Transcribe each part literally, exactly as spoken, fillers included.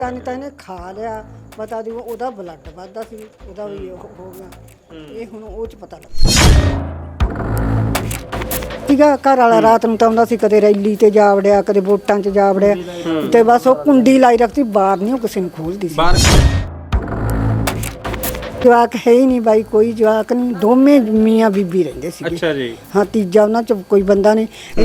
ਤਾਂ ਤਾਂ ਇਹਨੇ ਖਾ ਲਿਆ ਪਤਾ ਦੀ ਉਹਦਾ ਬਲੱਡ ਵੱਧਦਾ ਸੀ ਉਹਦਾ ਵੀ ਉਹ ਹੋ ਗਿਆ ਇਹ ਹੁਣ ਉਹ ਚ ਪਤਾ ਲੱਗਾ ਸੀਗਾ ਘਰ ਵਾਲਾ ਰਾਤ ਨੂੰ ਤਾਂ ਆਉਂਦਾ ਸੀ ਕਦੇ ਰੈਲੀ ਤੇ ਜਾ ਵੜਿਆ ਕਦੇ ਵੋਟਾਂ 'ਚ ਜਾ ਵੜਿਆ ਤੇ ਬਸ ਉਹ ਕੁੰਡੀ ਲਾਈ ਰੱਖਦੀ ਬਾਹਰ ਨਹੀਂ ਉਹ ਕਿਸੇ ਨੂੰ ਖੋਲਦੀ ਸੀ ਜਵਾਕ ਹੈ ਹੀ ਨਹੀਂ ਬਾਈ ਕੋਈ ਜਵਾਕ ਨਹੀਂ ਦੋਵੇਂ ਮੀਆਂ ਬੀਬੀ ਰਹਿੰਦੇ ਸੀ ਅੱਛਾ ਜੀ ਹਾਂ ਤੀਜਾ ਉਹਨਾਂ 'ਚ ਕੋਈ ਬੰਦਾ ਨਹੀਂ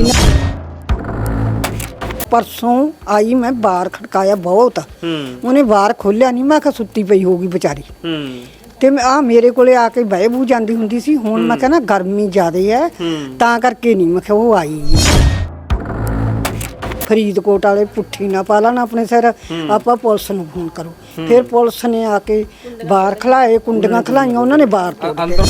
परसों आई मैं बाहर खड़काया बहुत उन्हें बाहर खोलिया नहीं मैं सुत्ती पई होगी बेचारी ते आ मेरे कोले आके बह बू जाती हुंदी सी हुण मैं कहना गर्मी ज़्यादा है तां करके नहीं मैं वो आई फरीदकोट वाले पुट्ठी ना पा लेना अपने सिर आप पुलिस नूं फोन करो फिर पुलिस ने आके बाहर खिलाए कुंडियां खिलाइयां उन्होंने बाहर तोड़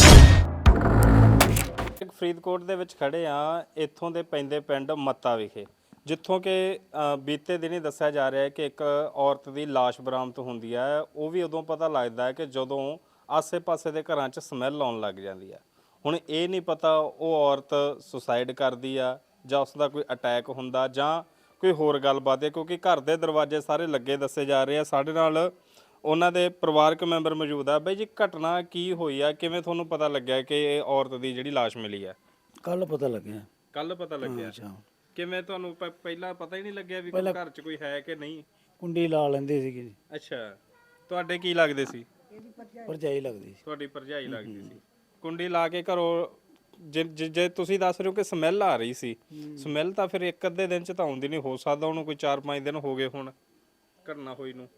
फरीदकोट दे विच खड़े आ इत्थों दे पैंदे पिंड मत्ता विखे जिथों कि बीते दिन ही दस्या जा रहा है कि एक औरत की लाश बरामद होंदी है वो भी उदों पता लगता है कि जदों आसे पासे के घर च समैल आउण लग जाती है हुण ये नहीं पता वो औरत सुसाइड करती है जां उसका कोई अटैक हुंदा जां कोई होर गलबात है क्योंकि घर के दरवाजे सारे लगे दसे जा रहे हैं साडे नाल उन्हां दे परिवारक मैंबर मौजूद है। बई जी घटना की हुई है किवें तुहानूं पता लग्या कि औरत की जिहड़ी लाश मिली है? कल पता लग्या कल पता लग्या ਕਿਵੇਂ ਤੁਹਾਨੂੰ ਪਹਿਲਾਂ ਪਤਾ ਹੀ ਨਹੀਂ ਲੱਗਿਆ ਵੀ ਘਰ 'ਚ ਕੋਈ ਹੈ ਕਿ ਨਹੀਂ? ਕੁੰਡੀ ਲਾ ਲੈਂਦੇ ਸੀਗੇ ਜੀ। ਅੱਛਾ ਤੁਹਾਡੇ ਕੀ ਲੱਗਦੇ ਸੀ? ਭਰਜਾਈ ਲੱਗਦੀ ਸੀ। ਤੁਹਾਡੀ ਭਰਜਾਈ ਲੱਗਦੀ ਸੀ। ਕੁੰਡੀ ਲਾ ਕੇ ਘਰੋਂ ਜੇ ਜੇ ਤੁਸੀਂ ਦੱਸ ਰਹੇ ਹੋ ਕਿ ਸਮੈਲ ਆ ਰਹੀ ਸੀ ਸਮੈਲ ਤਾਂ ਫਿਰ ਇੱਕ ਅੱਧੇ ਦਿਨ 'ਚ ਤਾਂ ਆਉਂਦੀ ਨਹੀਂ ਹੋ ਸਕਦਾ ਉਹਨੂੰ ਕੋਈ ਚਾਰ ਪੰਜ ਦਿਨ ਹੋ ਗਏ ਹੁਣ ਘਟਨਾ ਹੋਈ ਨੂੰ।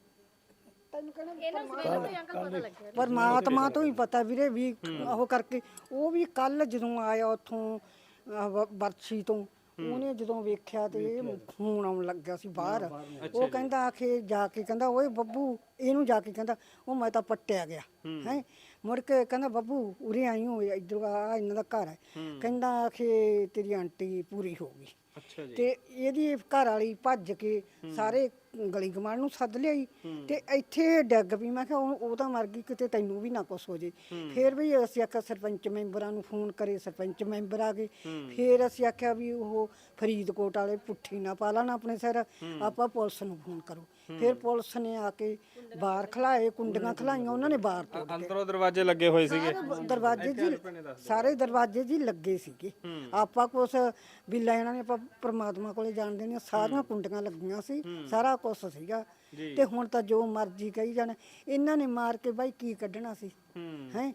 ਪਰਮਾਤਮਾ ਤੋਂ ਹੀ ਪਤਾ ਵੀਰੇ ਵੀ ਉਹ ਕਰਕੇ ਉਹ ਵੀ ਕੱਲ ਜਦੋਂ ਆਇਆ ਉੱਥੋਂ ਬਰਛੀ ਤੋਂ ਉਹਨੇ ਜਦੋਂ ਵੇਖਿਆ ਤੇ ਖੂਨ ਆਉਣ ਲੱਗਿਆ ਸੀ ਬਾਹਰ ਉਹ ਕਹਿੰਦਾ ਆਖੇ ਜਾ ਕੇ ਕਹਿੰਦਾ ਓਏ ਬੱਬੂ ਇਹਨੂੰ ਜਾ ਕੇ ਕਹਿੰਦਾ ਉਹ ਮੈਂ ਤਾਂ ਪੱਟਿਆ ਗਿਆ ਹੈ ਮੁੜ ਕੇ ਕਹਿੰਦਾ ਬੱਬੂ ਉਰੇ ਆਈ ਹੋ ਇੱਧਰ ਆ ਇਹਨਾਂ ਦਾ ਘਰ ਹੈ ਕਹਿੰਦਾ ਆਖੇ ਤੇਰੀ ਆਂਟੀ ਪੂਰੀ ਹੋ ਗਈ। ਅੱਛਾ ਜੀ ਤੇ ਇਹਦੀ ਘਰ ਵਾਲੀ ਭੱਜ ਕੇ ਸਾਰੇ ਗਲੀ ਗਮਾਨ ਨੂੰ ਸੱਦ ਲਿਆਈ ਤੇ ਇੱਥੇ ਡਿੱਗ ਪਈ ਮੈਂ ਕਿਹਾ ਉਹ ਤਾਂ ਮਰ ਗਈ ਕਿਤੇ ਤੈਨੂੰ ਵੀ ਨਾ ਕੁਛ ਹੋ ਜੇ। ਫਿਰ ਵੀ ਅਸੀਂ ਆਖਿਆ ਸਰਪੰਚ ਮੈਂਬਰਾਂ ਨੂੰ ਫੋਨ ਕਰੇ ਸਰਪੰਚ ਮੈਂਬਰ ਆ ਗਏ ਫਿਰ ਅਸੀਂ ਆਖਿਆ ਵੀ ਉਹ ਫਰੀਦਕੋਟ ਵਾਲੇ ਪੁੱਠੀ ਨਾ ਪਾ ਲੈਣ ਆਪਣੇ ਸਿਰ ਆਪਾਂ ਪੁਲਿਸ ਨੂੰ ਫੋਨ ਕਰੋ ਫਿਰ ਪੁਲਿਸ ਨੇ ਆ ਕੇ ਬਾਹਰ ਖਿਲਾਏ ਕੁੰਡੀਆਂ ਖਿਲਾਈਆਂ ਉਹਨਾਂ ਨੇ ਬਾਹਰ ਤੋੜ ਕੇ ਅੰਦਰੋਂ ਦਰਵਾਜ਼ੇ ਲੱਗੇ ਹੋਏ ਸੀਗੇ ਦਰਵਾਜ਼ੇ ਜੀ ਸਾਰੇ ਦਰਵਾਜ਼ੇ ਜੀ ਲੱਗੇ ਸੀਗੇ ਆਪਾਂ ਕੁਛ ਵੀ ਲੈਣਾ ਨੇ ਆਪਾਂ ਪ੍ਰਮਾਤਮਾ ਕੋਲੇ ਜਾਣਦੇ ਨੇ ਸਾਰੀਆਂ ਕੁੰਡੀਆਂ ਲੱਗੀਆਂ ਸੀ ਸਾਰਾ ਕੁਛ ਸੀਗਾ ਤੇ ਹੁਣ ਤਾਂ ਜੋ ਮਰਜ਼ੀ ਕਹੀ ਜਾਣ ਇਹਨਾਂ ਨੇ ਮਾਰ ਕੇ ਬਾਈ ਕੀ ਕੱਢਣਾ ਸੀ ਹੈ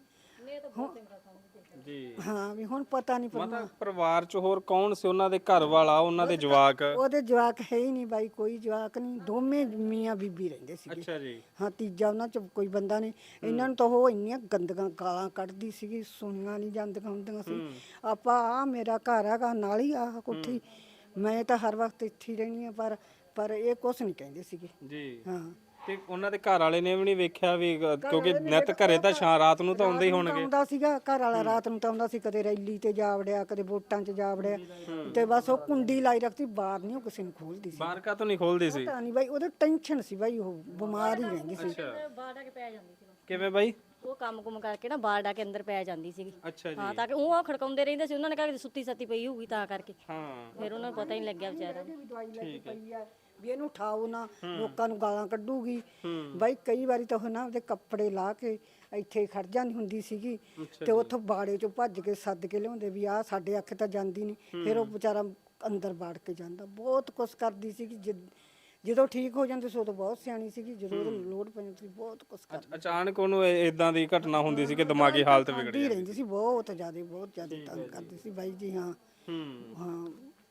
ਜੀ ਹਾਂ ਵੀ ਹੁਣ ਪਤਾ ਨਹੀਂ ਪਤਾ ਪਰਿਵਾਰ ਚ ਹੋਰ ਕੌਣ ਸੀ ਉਹਨਾਂ ਦੇ ਘਰ ਵਾਲਾ ਉਹਨਾਂ ਦੇ ਜਵਾਕ? ਉਹਦੇ ਜਵਾਕ ਹੈ ਹੀ ਨਹੀਂ ਬਾਈ ਕੋਈ ਜਵਾਕ ਨਹੀਂ ਦੋਵੇਂ ਮੀਆਂ ਬੀਬੀ ਰਹਿੰਦੇ ਸੀਗੇ। ਅੱਛਾ ਜੀ ਹਾਂ ਤੀਜਾ ਉਹਨਾਂ ਚ ਕੋਈ ਬੰਦਾ ਨਹੀਂ ਇਹਨਾਂ ਨੂੰ ਤਾਂ ਉਹ ਇੰਨੀਆਂ ਗੰਦੀਆਂ ਗਾਲਾਂ ਕੱਢਦੀ ਸੀਗੀ ਸੁਣੀਆਂ ਨਹੀਂ ਜਾਂਦੀਆਂ ਹੁੰਦੀਆਂ ਸੀ। ਆਪਾਂ ਆ ਮੇਰਾ ਘਰ ਹੈਗਾ ਨਾਲ ਹੀ ਆਹ ਕੋਠੀ ਮੈਂ ਤਾਂ ਹਰ ਵਕਤ ਇੱਥੇ ਹੀ ਰਹਿਣੀ ਆ ਪਰ ਪਰ ਇਹ ਕੁਛ ਨਹੀਂ ਕਹਿੰਦੇ ਸੀਗੇ ਜੀ ਹਾਂ ਤੇ ਉਹਨਾਂ ਦੇ ਘਰ ਵਾਲੇ ਨੇ ਵੀ ਨਹੀਂ ਵੇਖਿਆ ਵੀ ਕਿਉਂਕਿ ਨਿਤ ਘਰੇ ਤਾਂ ਸ਼ਾਮ ਰਾਤ ਨੂੰ ਤਾਂ ਆਉਂਦੇ ਹੀ ਹੋਣਗੇ। ਆਉਂਦਾ ਸੀਗਾ ਘਰ ਵਾਲਾ ਰਾਤ ਨੂੰ ਤਾਂ ਆਉਂਦਾ ਸੀ ਕਦੇ ਰੈਲੀ ਤੇ ਜਾ ਵੜਿਆ ਕਦੇ ਵੋਟਾਂ 'ਚ ਜਾ ਵੜਿਆ ਤੇ ਬਸ ਉਹ ਕੁੰਡੀ ਲਾਈ ਰੱਖਦੀ ਬਾਹਰ ਨਹੀਂ ਉਹ ਕਿਸੇ ਨੂੰ ਖੋਲਦੀ ਸੀ। ਬਾਹਰ ਕਾ ਤੋਂ ਨਹੀਂ ਖੋਲਦੀ ਸੀ? ਪਤਾ ਨਹੀਂ ਬਾਈ ਉਹਦੇ ਟੈਨਸ਼ਨ ਸੀ ਬਾਈ ਉਹ ਬਿਮਾਰ ਹੀ ਰਹਿੰਦੀ ਸੀ। ਬਾਹਰ ਆ ਕੇ ਪੈ ਜਾਂਦੀ ਸੀ ਕਿਵੇਂ ਬਾਈ? ਉਹ ਕੰਮ ਕੁਮ ਕਰਕੇ ਨਾ ਬਾਹਰ ਆ ਕੇ ਅੰਦਰ ਪੈ ਜਾਂਦੀ ਸੀਗੀ। ਅੱਛਾ ਜੀ ਹਾਂ ਤਾਂ ਕਿ ਉਹ ਖੜਕਾਉਂਦੇ ਰਹਿੰਦੇ ਸੀ ਉਹਨਾਂ ਨੇ ਕਿਹਾ ਸੁੱਤੀ ਸੱਤੀ ਪਈ ਹੋਊਗੀ ਤਾਂ ਕਰਕੇ ਹਾਂ ਫਿਰ ਉਹਨਾਂ ਨੂੰ ਪਤਾ ਹੀ ਨਹੀਂ ਲੱਗਿਆ ਵਿਚਾਰਾ ਠੀਕ ਹੈ ਵੀ ਇਹਨੂੰ ਉਠਾਓ ਨਾ ਲੋਕਾਂ ਨੂੰ ਗਾਲਾਂ ਕੱਢੂਗੀ ਬਾਈ ਕਈ ਵਾਰੀ ਤਾਂ ਉਹ ਨਾ ਉਹਦੇ ਕੱਪੜੇ ਲਾ ਕੇ ਇੱਥੇ ਖੜ ਜਾਂਦੀ ਹੁੰਦੀ ਸੀਗੀ ਤੇ ਉੱਥੋਂ ਬਾੜੇ ਚੋਂ ਭੱਜ ਕੇ ਸੱਦ ਕੇ ਲਿਆਉਂਦੇ ਵੀ ਆਹ ਸਾਡੇ ਅੱਖ ਤਾਂ ਜਾਂਦੀ ਨਹੀਂ ਫਿਰ ਉਹ ਵਿਚਾਰਾ ਅੰਦਰ ਬਾੜ ਕੇ ਜਾਂਦਾ ਬਹੁਤ ਕੁਛ ਕਰਦੀ ਸੀਗੀ ਜਦੋਂ ਠੀਕ ਹੋ ਜਾਂਦੇ ਸੀ ਉਦੋਂ ਬਹੁਤ ਸਿਆਣੀ ਸੀਗੀ ਜਦੋਂ ਉਹਨੂੰ ਲੋੜ ਪੈਂਦੀ ਸੀ ਬਹੁਤ ਕੁਛ ਕਰਦੀ ਅਚਾਨਕ ਉਹਨੂੰ ਇਦਾਂ ਦੀ ਘਟਨਾ ਹੁੰਦੀ ਸੀ ਕਿ ਦਿਮਾਗੀ ਹਾਲਤ ਵਿਗੜ ਜਾਂਦੀ ਰਹਿੰਦੀ ਸੀ ਬਹੁਤ ਜ਼ਿਆਦਾ ਬਹੁਤ ਜ਼ਿਆਦਾ ਤੰਗ ਕਰਦੀ ਸੀ ਬਾਈ ਜੀ ਹਾਂ ਹਾਂ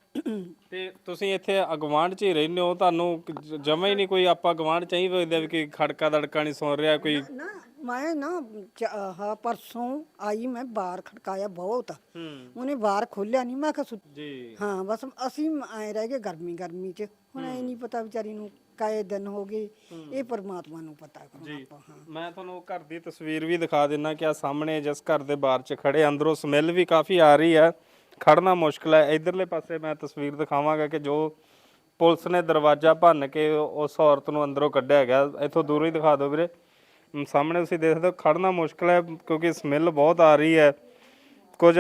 ਤੇ ਤੁਸੀਂ ਇੱਥੇ ਅਗਵਾਂਢ 'ਚ ਹੀ ਰਹਿੰਦੇ ਹੋ ਤੁਹਾਨੂੰ ਜਮਾ ਹੀ ਨਹੀਂ ਕੋਈ ਆਪਾਂ ਗਵਾਂਢ ਚ ਹੀ ਵੇਖਦੇ ਵੀ ਕਿ ਖੜਕਾ ਦੜਕਾ ਨਹੀਂ ਸੁਣ ਰਿਹਾ ਕੋਈ? ਨਾ ਮੈਂ ਨਾ ਹਾਂ ਪਰਸੋਂ ਆਈ ਮੈਂ ਬਾਹਰ ਖੜਕਾਇਆ ਬਹੁਤ ਉਹਨੇ ਬਾਹਰ ਖੋਲਿਆ ਨਹੀਂ ਮੈਂ ਕਿਹਾ ਜੀ ਹਾਂ ਬਸ ਅਸੀਂ ਐ ਰਹਿ ਗਏ ਗਰਮੀ ਗਰਮੀ 'ਚ ਹੁਣ ਐ ਨਹੀਂ ਪਤਾ ਵਿਚਾਰੀ ਨੂੰ ਕਾਏ ਦਿਨ ਹੋ ਗਏ ਇਹ ਪਰਮਾਤਮਾ ਨੂੰ ਪਤਾ ਆਪਾਂ। ਹਾਂ ਮੈਂ ਤੁਹਾਨੂੰ ਘਰ ਦੀ ਤਸਵੀਰ ਵੀ ਦਿਖਾ ਦਿੰਨਾ ਕਿ ਆ ਸਾਹਮਣੇ ਜਿਸ ਘਰ ਦੇ ਬਾਹਰ 'ਚ ਖੜੇ ਅੰਦਰੋਂ ਸਮੈਲ ਵੀ ਕਾਫੀ ਆ ਰਹੀ ਹੈ ਖੜਨਾ ਮੁਸ਼ਕਿਲ ਹੈ। ਇਧਰਲੇ ਪਾਸੇ ਮੈਂ ਤਸਵੀਰ ਦਿਖਾਵਾਂਗਾ ਕਿ ਜੋ ਪੁਲਿਸ ਨੇ ਦਰਵਾਜ਼ਾ ਭੰਨ ਕੇ ਉਸ ਔਰਤ ਨੂੰ ਅੰਦਰੋਂ ਕੱਢਿਆ ਗਿਆ। ਇੱਥੋਂ ਦੂਰੋਂ ਹੀ ਦਿਖਾ ਦਿਓ ਵੀਰੇ ਸਾਹਮਣੇ ਤੁਸੀਂ ਦੇਖਦੇ ਹੋ ਖੜਨਾ ਮੁਸ਼ਕਿਲ ਹੈ ਕਿਉਂਕਿ ਸਮੈਲ ਬਹੁਤ ਆ ਰਹੀ ਹੈ। ਕੁਝ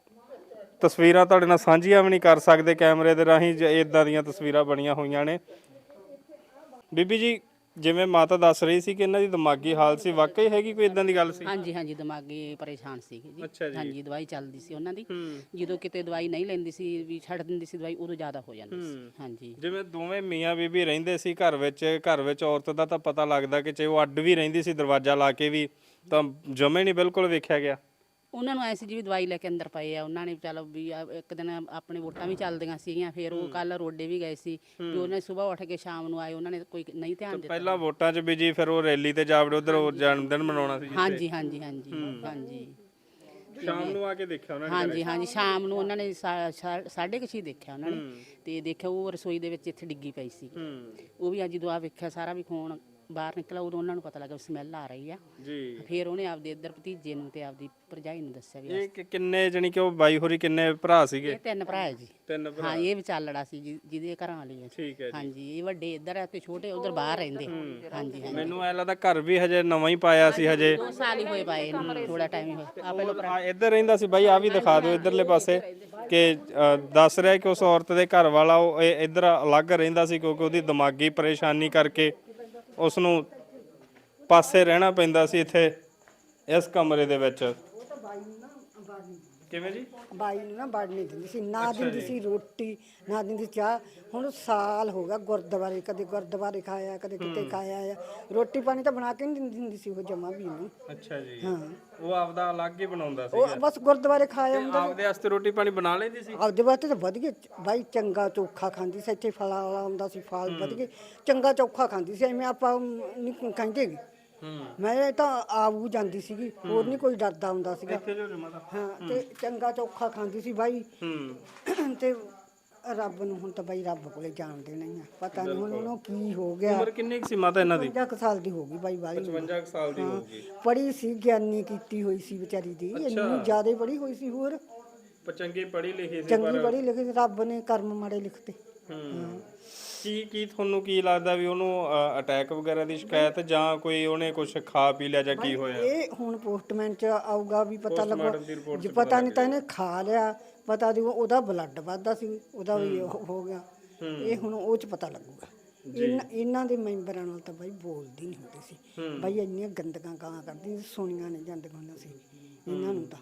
ਤਸਵੀਰਾਂ ਤੁਹਾਡੇ ਨਾਲ ਸਾਂਝੀਆਂ ਵੀ ਨਹੀਂ ਕਰ ਸਕਦੇ ਕੈਮਰੇ ਦੇ ਰਾਹੀਂ ਇਦਾਂ ਦੀਆਂ ਤਸਵੀਰਾਂ ਬਣੀਆਂ ਹੋਈਆਂ ਨੇ। ਬੀਬੀ ਜੀ ਜਿਵੇਂ ਮਾਤਾ ਦੱਸ ਰਹੀ ਸੀ ਕਿ ਇਹਨਾਂ ਦੀ ਦਿਮਾਗੀ ਹਾਲਤ ਸੀ, ਵਾਕਈ ਹੈਗੀ ਕੋਈ ਇਦਾਂ ਦੀ ਗੱਲ ਸੀ? ਹਾਂਜੀ ਹਾਂਜੀ ਦਿਮਾਗੀ ਪਰੇਸ਼ਾਨ ਸੀਗੇ ਜੀ। ਅੱਛਾ ਜੀ। ਹਾਂਜੀ ਦਵਾਈ ਚੱਲਦੀ ਸੀ ਉਹਨਾਂ ਦੀ। ਹੂੰ ਜਦੋਂ ਕਿਤੇ ਦਵਾਈ ਨਹੀਂ ਲੈਂਦੀ ਸੀ ਵੀ ਛੱਡ ਦਿੰਦੀ ਸੀ ਦਵਾਈ, ਉਦੋਂ ਜ਼ਿਆਦਾ ਹੋ ਜਾਂਦੀ ਸੀ। ਹਾਂਜੀ ਜਿਵੇਂ ਦੋਵੇਂ ਮੀਆਂ ਬੀਬੀ ਰਹਿੰਦੇ ਸੀ ਘਰ ਵਿੱਚ, ਘਰ ਵਿੱਚ ਔਰਤ ਦਾ ਤਾਂ ਪਤਾ ਲੱਗਦਾ ਕਿ ਚਾਹੇ ਉਹ ਅੱਡ ਵੀ ਰਹਿੰਦੀ ਸੀ ਦਰਵਾਜ਼ਾ ਲਾ ਕੇ ਵੀ, ਤਾਂ ਜਮੇ ਨਹੀਂ ਬਿਲਕੁਲ ਵੇਖਿਆ ਗਿਆ। ਉਹਨਾਂ ਨੂੰ ਐ ਸੀ ਜੀ ਵੀ ਦਵਾਈ ਲੈ ਕੇ ਅੰਦਰ ਪਏ ਆ, ਉਹਨਾਂ ਨੇ ਚਲੋ ਵੀ ਆ ਇੱਕ ਦਿਨ ਆਪਣੇ ਵੋਟਾਂ ਵੀ ਚੱਲਦੀਆਂ ਸੀਗੀਆਂ, ਫਿਰ ਉਹ ਕੱਲ ਰੋਡੇ ਵੀ ਗਏ ਸੀ ਵੀ ਉਹਨਾਂ ਸਵੇਰ ਉੱਠ ਕੇ ਸ਼ਾਮ ਨੂੰ ਆਏ, ਉਹਨਾਂ ਨੇ ਕੋਈ ਨਹੀਂ ਧਿਆਨ ਦਿੱਤਾ। ਪਹਿਲਾਂ ਵੋਟਾਂ 'ਚ ਵੀ ਜੀ, ਫਿਰ ਉਹ ਰੈਲੀ ਤੇ ਜਾ ਵੜੇ, ਉਧਰ ਜਨਮ ਦਿਨ ਮਨਾਉਣਾ ਸੀ ਜਿੱਥੇ। ਹਾਂਜੀ ਹਾਂਜੀ ਹਾਂਜੀ ਹਾਂਜੀ ਸ਼ਾਮ ਨੂੰ ਆ ਕੇ ਦੇਖਿਆ ਉਹਨਾਂ ਨੇ? ਹਾਂਜੀ ਹਾਂਜੀ ਸ਼ਾਮ ਨੂੰ ਉਹਨਾਂ ਨੇ ਸਾ- ਸਾ- ਸਾਢੇ ਕੁ ਛੇ ਦੇਖਿਆ ਉਹਨਾਂ ਨੇ, ਤੇ ਦੇਖਿਆ ਉਹ ਰਸੋਈ ਦੇ ਵਿੱਚ ਇੱਥੇ ਡਿੱਗੀ ਪਈ ਸੀ। ਹੂੰ ਉਹ ਵੀ ਅੱਜ ਜਦੋਂ ਆ ਵੇਖਿਆ ਸਾਰਾ ਵੀ ਖੂਨ ਬਾਹਰ ਨਿਕਲਾ, ਉਦੋਂ ਉਹਨਾਂ ਨੂੰ ਪਤਾ ਲੱਗਾ ਸਮੈਲ ਆ ਰਹੀ ਆ। ਜੀ। ਫਿਰ ਉਹਨੇ ਆਪਦੇ ਇੱਧਰ ਭਤੀਜੇ ਨੂੰ ਤੇ ਆਪਦੀ ਭਰਜਾਈ ਨੂੰ ਦੱਸਿਆ ਵੀ ਇਹ ਕਿ- ਕਿੰਨੇ ਜਣੀ ਕਿ ਉਹ ਬਾਈ ਹੋਰੀ ਕਿੰਨੇ ਭਰਾ ਸੀਗੇ? ਇਹ ਤਿੰਨ ਭਰਾ ਹੈ ਜੀ। ਤਿੰਨ ਭਰਾ। ਹਾਂ ਇਹ ਵਿਚਾਲੜਾ ਸੀ ਜੀ, ਜਿਹਦੇ ਘਰਾਂ ਵਾਲੀ ਹੈ। ਠੀਕ ਹੈ ਜੀ। ਹਾਂਜੀ ਇਹ ਵੱਡੇ ਇੱਧਰ ਆ ਤੇ ਛੋਟੇ ਉਧਰ ਬਾਹਰ ਰਹਿੰਦੇ। ਹਾਂਜੀ ਹਾਂਜੀ ਮੈਨੂੰ ਐ ਲੱਗਦਾ ਘਰ ਵੀ ਹਜੇ ਨਵਾਂ ਹੀ ਪਾਇਆ ਸੀ ਹਜੇ। ਦੋ ਸਾਲ ਹੀ ਹੋਏ ਪਾਏ ਇਹਨੂੰ, ਥੋੜਾ ਟਾਈਮ ਹੀ ਹੋਇਆ ਆ ਪਹਿਲਾਂ ਆ ਇੱਧਰ ਰਹਿੰਦਾ ਸੀ ਬਾਈ, ਆ ਵੀ ਦਿਖਾ ਦਿਓ ਇੱਧਰਲੇ ਪਾਸੇ ਕਿ ਅ, ਦੱਸ ਰਿਹਾ ਕਿ ਉਸ ਔਰਤ ਦੇ ਘਰ ਵਾਲਾ ਉਹ ਇਹ ਇੱਧਰ ਅਲੱਗ ਰਹਿੰਦਾ ਸੀ ਕਿਉਂਕਿ ਉਹਦੀ ਦਿਮਾਗੀ ਪਰੇਸ਼ਾਨੀ ਕਰਕੇ ਉਸ ਨੂੰ ਪਾਸੇ ਰਹਿਣਾ ਪੈਂਦਾ ਸੀ ਇੱਥੇ ਇਸ ਕਮਰੇ ਦੇ ਵਿੱਚ। ਕਿਵੇਂ ਜੀ? ਬਾਈ ਨੂੰ ਨਾ ਵੜ ਨਹੀਂ ਦਿੰਦੀ ਸੀ, ਨਾ ਦਿੰਦੀ ਸੀ ਰੋਟੀ, ਨਾ ਦਿੰਦੀ ਚਾਹ। ਹੁਣ ਸਾਲ ਹੋ ਗਿਆ ਗੁਰਦੁਆਰੇ, ਕਦੇ ਗੁਰਦੁਆਰੇ ਖਾਇਆ, ਕਦੇ ਕਿਤੇ ਖਾਇਆ ਆ। ਰੋਟੀ ਪਾਣੀ ਤਾਂ ਬਣਾ ਕੇ ਨਹੀਂ ਦਿੰਦੀ ਹੁੰਦੀ ਸੀ ਉਹ ਜਮਾ ਵੀ ਨੂੰ। ਅੱਛਾ ਜੀ। ਹਾਂ ਉਹ ਆਪਦਾ ਅਲੱਗ ਹੀ ਬਣਾਉਂਦਾ ਸੀ। ਉਹ ਬਸ ਗੁਰਦੁਆਰੇ ਖਾਇਆ ਹੁੰਦਾ। ਆਪਦੇ ਵਾਸਤੇ ਰੋਟੀ ਪਾਣੀ ਬਣਾ ਲੈਂਦੀ ਸੀ? ਆਪਦੇ ਵਾਸਤੇ ਤਾਂ ਵਧੀਆ ਬਾਈ, ਚੰਗਾ ਚੋਖਾ ਖਾਂਦੀ ਸੀ। ਇੱਥੇ ਫਲਾਂ ਵਾਲਾ ਹੁੰਦਾ ਸੀ, ਫਲ ਵਧੀਆ ਚੰਗਾ ਚੋਖਾ ਖਾਂਦੀ ਸੀ, ਐਵੇਂ ਆਪਾਂ ਨਹੀਂ ਕਹਿੰਦੇ ਗੇ। ਮੈਂ ਤਾਂ ਆਊ ਜਾਂਦੀ ਸੀਗੀ, ਹੋਰ ਨਹੀਂ ਕੋਈ ਡਰਦਾ ਹੁੰਦਾ ਸੀਗਾ। ਹਾਂ ਤੇ ਚੰਗਾ ਚੋਖਾ ਖਾਂਦੀ ਸੀ ਬਾਈ। ਹੂੰ ਤੇ ਰੱਬ ਨੂੰ ਹੁਣ ਤਾਂ ਬਾਈ ਰੱਬ ਕੋਲੇ ਜਾਣਦੇ ਨਹੀਂ ਆ, ਪਤਾ ਨਹੀਂ ਹੁਣ ਉਹਨੂੰ ਕੀ ਹੋ ਗਿਆ। ਉਮਰ ਕਿੰਨੀ ਕੁ ਸੀ ਮਾਤਾ ਇਹਨਾਂ ਦੀ? ਪਚਵੰਜਾ ਕੁ ਸਾਲ ਦੀ ਹੋ ਗਈ ਬਾਈ ਵਾਲੀ। ਪਚਵੰਜਾ ਕੁ ਸਾਲ ਦੀ ਹੋਊਗੀ। ਪੜ੍ਹੀ ਸੀ, ਗਿਆਨੀ ਕੀਤੀ ਹੋਈ ਸੀ ਵਿਚਾਰੀ ਦੀ, ਇੰਨੀ ਜ਼ਿਆਦਾ ਪੜ੍ਹੀ ਹੋਈ ਸੀ। ਹੋਰ ਚੰਗੀ ਪੜ੍ਹੀ ਲਿਖੀ ਸੀ ਚੰਗੀ ਪੜ੍ਹੀ ਲਿਖੀ ਸੀ, ਰੱਬ ਨੇ ਕਰਮ ਮਾੜੇ ਲਿਖਤੇ। ਹੂੰ ਕੀ ਕੀ ਤੁਹਾਨੂੰ ਕੀ ਲੱਗਦਾ ਵੀ ਉਹਨੂੰ ਅਟੈਕ ਵਗੈਰਾ ਦੀ ਸ਼ਿਕਾਇਤ ਜਾਂ ਕੋਈ ਉਹਨੇ ਕੁਝ ਖਾ ਪੀ ਲਿਆ ਜਾਂ ਕੀ ਹੋਇਆ? ਇਹ ਹੁਣ ਪੋਸਟਮੈਨ ਚ ਆਊਗਾ ਵੀ ਪਤਾ ਲੱਗੋ, Postmortem ਦੀ report ਜੇ ਪਤਾ ਨਹੀਂ ਤਾਂ ਇਹਨੇ ਖਾ ਲਿਆ, ਪਤਾ ਦੀ ਉਹਦਾ ਬਲੱਡ ਵੱਧਦਾ ਸੀ, ਉਹਦਾ ਵੀ ਉਹ ਹੋ ਗਿਆ। ਇਹ ਹੁਣ ਉਹ ਚ ਪਤਾ ਲੱਗੂਗਾ। ਇਹਨਾਂ ਇਹਨਾਂ ਦੇ ਮੈਂਬਰਾਂ ਨਾਲ ਤਾਂ ਬਾਈ ਬੋਲਦੀ ਨਹੀਂ ਹੁੰਦੀ ਸੀ ਬਾਈ, ਇੰਨੀਆਂ ਗੰਦਕਾਂ ਗਾਲਾਂ ਕਰਦੀ ਸੀ, ਸੁਣੀਆਂ ਨਹੀਂ ਜਾਂਦੀਆਂ ਹੁੰਦੀਆਂ ਸੀ ਇਹਨਾਂ ਨੂੰ ਤਾਂ।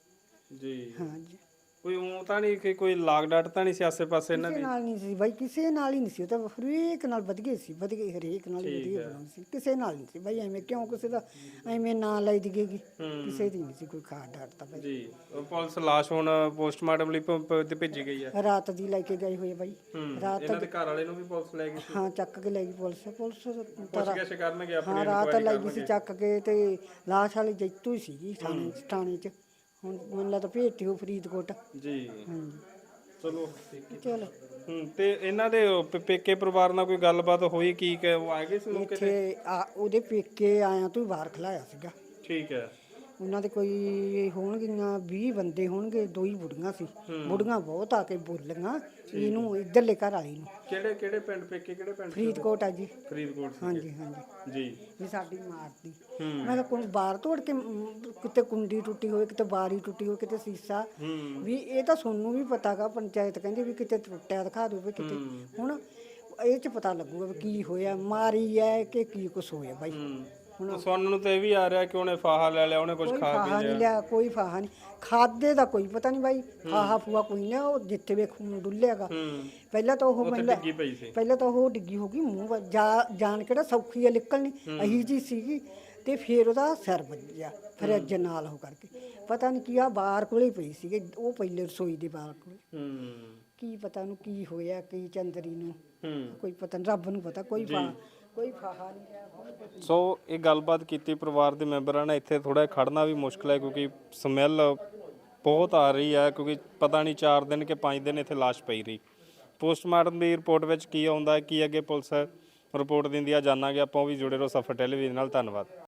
ਜੀ। ਹਾਂ ਜੀ ਕੋਈ ਉਹ ਤਾਂ ਨਹੀਂ ਕਿ ਕੋਈ ਲਾਗ ਡਾਟ ਤਾਂ ਨਹੀਂ ਸੀ ਆਸੇ ਪਾਸੇ ਇਹਨਾਂ ਕਿਸੇ ਦੀ? ਨਾਲ ਨਹੀਂ ਸੀ ਬਾਈ, ਕਿਸੇ ਨਾਲ ਹੀ ਨਹੀਂ ਸੀ। ਉਹ ਤਾਂ ਹਰੇਕ ਨਾਲ ਵਧੀਆ ਸੀ, ਵਧੀਆ ਹਰੇਕ ਨਾਲ ਹੀ ਵਧੀਆ ਬਣਾਉਂਦੀ ਸੀ, ਕਿਸੇ ਨਾਲ ਨਹੀਂ ਸੀ ਬਾਈ। ਐਵੇਂ ਕਿਉਂ ਕਿਸੇ ਦਾ ਐਵੇਂ ਨਾਂ ਲਈ ਦੀਗੇਗੀ, ਕਿਸੇ ਦੀ ਨਹੀਂ ਸੀ ਕੋਈ ਖਾੜ ਡਾਟਦਾ ਬਾਈ। ਜੀ। ਉਹ ਪੁਲਿਸ ਲਾਸ਼ ਹੁਣ ਪੋਸਟਮਾਰਟਮ ਲਈ ਭ- ਭ- ਤੇ ਭੇਜੀ ਗਈ ਹੈ? ਰਾਤ ਦੀ ਲੈ ਕੇ ਗਏ ਹੋਏ ਬਾਈ, ਰਾਤ ਇਹਨਾਂ ਦੇ ਘਰ ਵਾਲੇ ਨੂੰ ਵੀ ਪੁਲਿਸ ਲੈ ਗਈ ਸੀ? ਹਾਂ ਚੱਕ ਕੇ ਲੈ ਗਈ ਪੁਲਿਸ। ਪੁਲਿਸ ਪੁੱਛ ਗਿੱਛ ਕਰਨਗੇ ਆਪਣੀ ਹਾਂ ਰਾਤ inquiry ਲੈ ਗਈ ਸੀ ਚੱਕ ਕੇ, ਤੇ ਲਾਸ਼ ਵਾਲੀ ਜੈਤੂ ਹੀ ਸੀਗੀ ਥਾਣੇ ਥਾਣੇ 'ਚ। ਹੁਣ ਮੈਨੂੰ ਲੱਗਦਾ ਭੇਜਤੀ ਉਹ ਫਰੀਦਕੋਟ। ਜੀ। ਹਾਂਜੀ ਚਲੋ ਠੀਕ ਹੈ। ਚਲੋ ਹੂੰ ਤੇ ਇਹਨਾਂ ਦੇ ਉਹ ਪ- ਪੇਕੇ ਪਰਿਵਾਰ ਨਾਲ ਕੋਈ ਗੱਲਬਾਤ ਹੋਈ ਕੀ ਕਿ ਉਹ ਆ ਗਏ ਸੀ ਮੌਕੇ ਤੇ? ਇੱਥੇ ਆ ਉਹਦੇ ਪੇਕੇ ਆਇਆ ਤੋਂ ਬਾਹਰ ਖਲਾਇਆ ਸੀਗਾ। ਠੀਕ ਹੈ। ਉਹਨਾਂ ਦੇ ਕੋਈ ਹੋਣਗੀਆਂ ਵੀਹ ਬੰਦੇ ਹੋਣਗੇ, ਦੋ ਹੀ ਬੁੜੀਆਂ ਸੀ। ਬੁੜੀਆਂ ਬਹੁਤ ਆ ਕੇ ਬੋਲੀਆਂ ਇਹਨੂੰ, ਇੱਧਰਲੇ ਘਰ ਵਾਲੀ ਨੂੰ। ਕਿਹੜੇ ਕਿਹੜੇ ਪਿੰਡ ਪੇਕੇ ਕਿਹੜੇ ਪਿੰਡ? ਫਰੀਦਕੋਟ ਆ ਜੀ। ਫਰੀਦਕੋਟ ਸੀ। ਹਾਂਜੀ ਹਾਂਜੀ ਜੀ। ਵੀ ਸਾਡੀ ਮਾਰਦੀ। ਮੈਂ ਕਿਹਾ ਕੋਈ ਬਾਹਰ ਤੋੜ ਕੇ ਮ, ਕਿਤੇ ਕੁੰਡੀ ਟੁੱਟੀ ਹੋਵੇ, ਕਿਤੇ ਬਾਰੀ ਟੁੱਟੀ ਹੋਵੇ, ਕਿਤੇ ਸੀਸਾ। ਵੀ ਇਹ ਤਾਂ ਤੁਹਾਨੂੰ ਵੀ ਪਤਾਗਾ, ਪੰਚਾਇਤ ਕਹਿੰਦੀ ਵੀ ਕਿਤੇ ਟੁੱਟਿਆ ਦਿਖਾ ਦਿਓ ਵੀ ਕਿਤੇ। ਹੁਣ ਇਹ 'ਚ ਪਤਾ ਲੱਗੂਗਾ ਵੀ ਕੀ ਹੋਇਆ, ਮਾਰੀ ਹੈ ਕਿ ਕੀ ਕੁਛ ਹੋਇਆ ਬਾਈ। ਹੁਣ ਸੁਣਨ ਨੂੰ ਤੇ ਇਹ ਵੀ ਆ ਰਿਹਾ ਕਿ ਉਹਨੇ ਫਾਹਾ ਲੈ ਲਿਆ, ਉਹਨੇ ਕੁਝ ਕੋਈ ਖਾ ਫਾਹਾ ਪੀ ਨਹੀਂ ਲਿਆ। ਲਿਆ, ਕੋਈ ਫਾਹਾ ਨਹੀਂ। ਖਾਦੇ ਦਾ ਕੋਈ ਪਤਾ ਨਹੀਂ ਬਾਈ, ਫਾਹਾ ਫੂਆ ਕੋਈ ਨਹੀਂ। ਉਹ ਜਿੱਥੇ ਵੇ ਖੂਨ ਡੁੱਲਿਆਗਾ। ਪਹਿਲਾਂ ਤਾਂ ਉਹ ਮਹਿਲਾ ਡਿੱਗੀ ਪਈ ਸੀ। ਪਹਿਲਾਂ ਤਾਂ ਉਹ ਡਿੱਗੀ ਹੋ ਗਈ ਮੂੰਹ ਵੱਲ। ਜਾ ਜਾਣ ਕਿਹੜਾ ਸੌਖੀ ਆ ਨਿਕਲਣੀ, ਅਹੀ ਜੀ ਸੀਗੀ। ਤੇ ਫਿਰ ਉਹਦਾ ਸਿਰ ਵੱਜਿਆ ਫਰਿੱਜ ਨਾਲ ਉਹ ਕਰਕੇ, ਪਤਾ ਨਹੀਂ ਕੀ ਆ ਬਾਹਰ ਕੋਲੇ ਪਈ ਸੀਗੇ, ਉਹ ਪਹਿਲੇ ਰਸੋਈ ਦੇ ਬਾਹਰ ਕੋਲੇ। ਹੂੰ ਕੀ ਪਤਾ ਉਹਨੂੰ ਕੀ ਹੋਇਆ, ਕੀ ਚੰਦਰੀ ਨੂੰ ਹੂੰ ਕੋਈ ਪਤਾ ਨਹੀਂ, ਰੱਬ ਨੂੰ ਪਤਾ। ਕੋਈ ਫਾ ਕੋਈ ਫਾਹਾ ਨਹੀਂ ਲਿਆ। ਸੋ ਇਹ ਗੱਲਬਾਤ ਕੀਤੀ ਪਰਿਵਾਰ ਦੇ ਮੈਂਬਰਾਂ ਨੇ। ਇੱਥੇ ਥੋੜਾ ਖੜਨਾ ਵੀ ਮੁਸ਼ਕਲ ਹੈ ਕਿਉਂਕਿ ਸਮੈਲ ਬਹੁਤ ਆ ਰਹੀ ਹੈ, ਕਿਉਂਕਿ ਪਤਾ ਨਹੀਂ ਚਾਰ ਦਿਨ ਕਿ ਪੰਜ ਦਿਨ ਇੱਥੇ ਲਾਸ਼ ਪਈ ਰਹੀ। ਪੋਸਟਮਾਰਟਮ ਦੀ ਰਿਪੋਰਟ ਵਿੱਚ ਕੀ ਆਉਂਦਾ, ਕੀ ਅੱਗੇ ਪੁਲਿਸ ਰਿਪੋਰਟ ਦਿੰਦੀ ਆ, ਜਾਣਾਂਗੇ ਆਪਾਂ। ਉਹ ਵੀ ਜੁੜੇ ਰਹੋ ਸਫਰ ਟੈਲੀਵਿਜ਼ਨ ਨਾਲ। ਧੰਨਵਾਦ।